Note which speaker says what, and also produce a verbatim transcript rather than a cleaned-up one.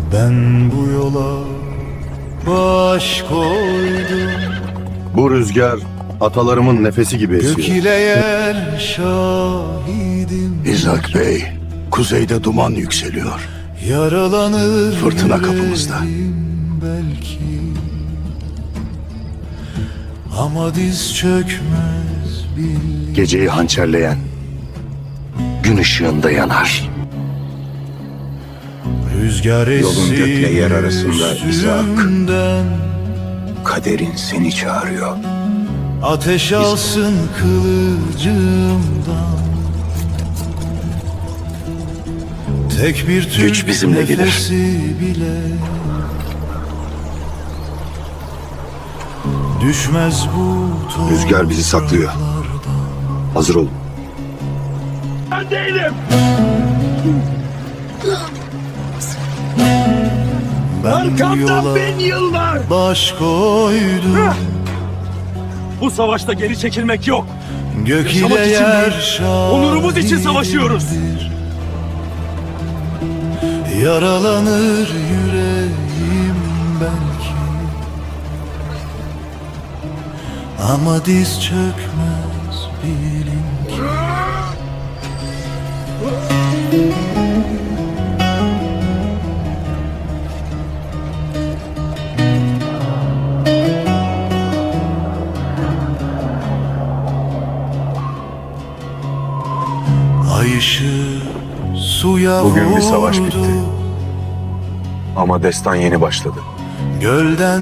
Speaker 1: Ben bu yola baş koydum.
Speaker 2: Bu rüzgar atalarımın nefesi gibi esiyor.
Speaker 1: Gök ile yer şahidim.
Speaker 3: İshak Bey, kuzeyde duman yükseliyor.
Speaker 1: Yaralanır
Speaker 3: Fırtına kapımızda.
Speaker 1: yüreğim belki, ama diz çökmez bil.
Speaker 3: Geceyi hançerleyen gün ışığında yanar.
Speaker 1: Rüzgar
Speaker 4: Yolun
Speaker 1: essin
Speaker 4: gökle yer arasında İshak.
Speaker 1: üstümden.
Speaker 4: Kaderin seni çağırıyor.
Speaker 1: Ateş alsın kılıcımdan. Tek bir Türk
Speaker 3: Güç bizimle gelir.
Speaker 1: nefesi bile düşmez bu
Speaker 2: Rüzgar bizi saklıyor.
Speaker 1: topraklardan.
Speaker 2: Hazır olun.
Speaker 1: Ben bu yola
Speaker 5: yıllar.
Speaker 1: baş koydum.
Speaker 5: Bu savaşta geri çekilmek yok.
Speaker 1: Gök
Speaker 5: Yaşamak
Speaker 1: ile
Speaker 5: için
Speaker 1: yer
Speaker 5: değil, onurumuz için savaşıyoruz.
Speaker 1: şahidimdir. Yaralanır yüreğim belki, ama diz çökmez bilin ki. Ay ışığı suya
Speaker 4: Bugün bir savaş
Speaker 1: vurdu.
Speaker 4: bitti. Ama destan yeni başladı.
Speaker 1: Gölden